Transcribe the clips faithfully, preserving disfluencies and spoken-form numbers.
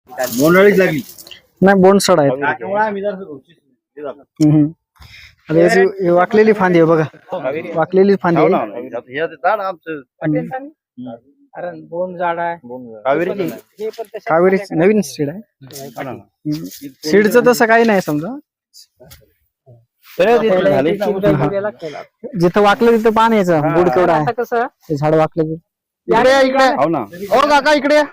मोनाळीच लागली नाही बोंडसड आहे. हम्म. आता याची ही वाकलेली फांदी आहे बघा, वाकलेली फांदी आहे. कारण बोंड झाड आहे. कावेरी नवीन सीड आहे. सीडचं तसं काही नाही समजा, जिथं वाकलं तिथं पान यायचं. बुड केवढा आहे कसं ते झाड वाकलं. इकडे या, इकडे हो काका, इकडे या.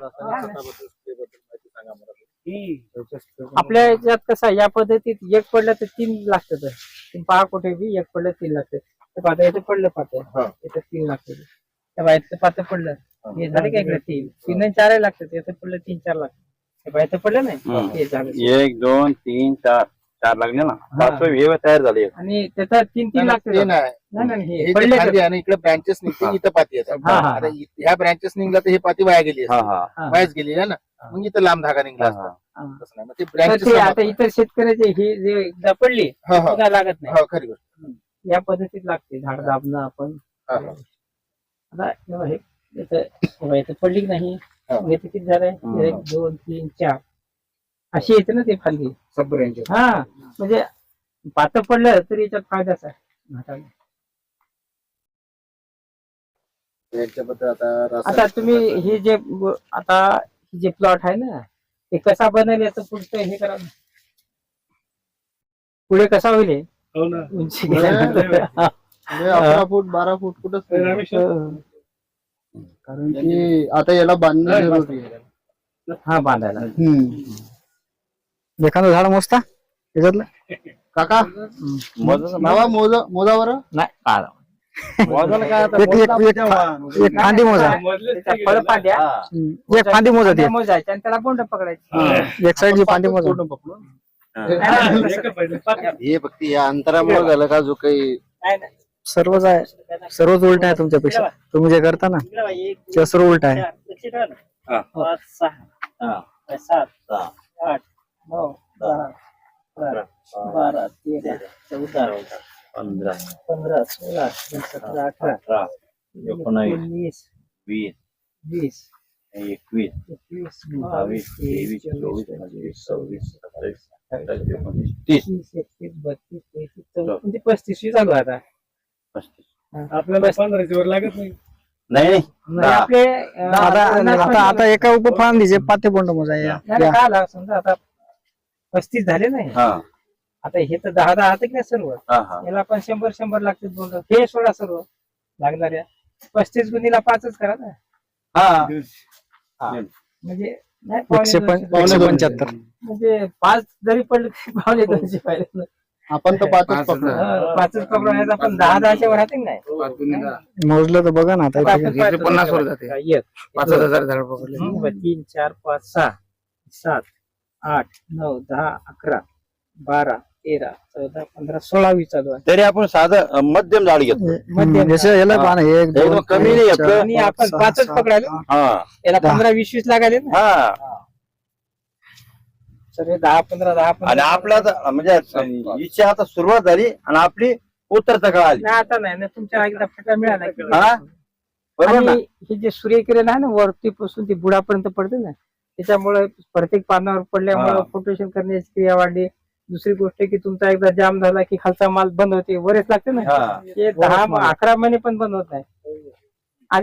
आपल्या याच्यात कसं या पद्धतीत एक पडलं तर तीन लागतात. पहा कुठे बी एक पडलं तीन लागतात. पाहता इथे पडलं पाहतं इथे तीन लागतात. त्या बाहेरचं पाहतं पडलं हे झालं का इकडे तीन तीन चार लागतात. इथे पडलं तीन चार लागतात. बाहेरचं पडलं नाही हे झालं एक दोन तीन चार चार लागले ना, पाचवे हे तयार झाले. आणि त्याचा तीन तीन लागतात. हे पडले आणि इकडे ब्रँचेस निघते, इथं पाती येतात. आता ह्या ब्रँचेस निघला तर हे पाती वाया गेली, वायाच गेली आहे ना. मग इथं लांब धागा निघला असता. तसं नाही. मग ते branches ते आता इतर शेतकऱ्याचे हे जे एकदा पडली हा, हा. पुन्हा लागत नाही. हो, खरी गोष्ट. या पद्धतीत लागते झाड दाबणं आपण. हा, हा. आता हे हे इथं बघा, इथं पडली की नाही. हा. मग इथे किती झालंय एक दोन तीन चार अशी येते ना ते फांदी. सब branches. हा म्हणजे पातळ पडलं तरी याच्यात फायदाच आहे झाडाला. याच्याबद्दल आता आता रासायनिक तुम्ही खताचं- हे जे ब- आता हे जे प्लॉट आहे ना ते कसा बनेल याचं पुढचं हे करा ना. पुढे कसा होईल हे? उंची गेल्यानंतर. हा. म्हणजे अकरा फूट बारा फूट कुठंच नाही. कारण की आता याला बांधणं जरुरी आहे. हा बांधायला. एखादं झाड मोजता त्याच्यातलं काका नावा मोजा मोजा बरं. नाही बारा. एक एक एक एक फांदी मोजा, त्याच्या फळ पांड्या हम्म. एक फांदी मोजा ती, मोजायच्या आणि त्याला बोंड पकडायची. एक साईडची फांदी मोजा. पूर्ण पकडून हे फक्त या अंतरामुळे झालं का जो काही नाही, नाही. सर्वच आहे, सर्वच उलट आहे तुमच्यापेक्षा. तुम्ही जे करता ना इकडे बघा, एक, ते सर्व उलट आहे. चार, लक्ष ठेवा ना. पाच सहा सात आठ नऊ दहा अकरा बारा तेरा चौदा पंधरा पंधरा सोळा सतरा अठरा एकोणीस वीस वीस एकवीस एकवीस बावीस तेवीस चोवीस पंचवीस सव्वीस सत्तावीस अठ्ठावीस एकोणीस तीस तीस एकतीस बत्तीस तेहतीस चौतीस म्हणजे पस्तीस चालू आहे आता. पस्तीस आपल्याला पंधराची वर लागत नाही. नाही नाही नाही, आपले अं, आता पन्नास आता आता एका उपफांदीचे पाते बोंड मोजा या. नाही, नाही, काय आला समजा आता पस्तीस झाले नाही. हा आता हे तर दहा दहा की नाही सर्व. हा हा याला पण शंभर शंभर लागतील बोंड. हे सोडा सर्व लागणाऱ्या पस्तीस गुणीला पाचच करा ना. हा म्हणजे नाही, पावणे एकशे दोनशे पं- एकशे पावणे पंच्याहत्तर. म्हणजे पाच जरी पडले तरी पावणे दोनशे पाहिजे ना. आपण तर पाचच पकडू. हा, पाचच पकडून आपण दहा दहाच्या वर राहते की नाही. मोजलं तर बघा ना आता आता इथे. आपण पाहतो. पन्नास वर जाते. एक, पाच हजार झाड पकडले. दोन, तीन चार पाच सहा सात आठ नऊ दहा अकरा बारा तेरा चौदा पंधरा सोळा वीस चालू आहे. तरी आपण साधं अं, मध्यम झाड घेतो. मध्यम जसं याला पाहा ना, एक एकदम दोन कमी तीन, नाही चार, आपलं. आणि पाच, आपण सहा, पाचच सात, पकडायला हा याला दहा. पंधरा वीस वीस लागाले ना. हा सगळे दहा पंधरा दहा आणि पंधरा आपला आता म्हणजे इच्छा आता सुरुवात झाली आणि आपली उत्तरता काळ आली. नाही आता नाही ना, तुमच्या एकदा फटा मिळाला की. हा बरोबर ना. आणि हे जे सूर्यकिरण आहे ना वरती पासून ते बुडापर्यंत पडते ना, त्याच्यामुळे प्रत्येक पानावर पडल्यामुळे हा. फोटोशन करण्याची क्रिया वाढली. दुसरी गोष्ट की तुमचा एकदा जाम झाला की खालचा माल बंद होते, वरच लागते ना. हा हे दहा अकरा महिने पण बंद होत नाही.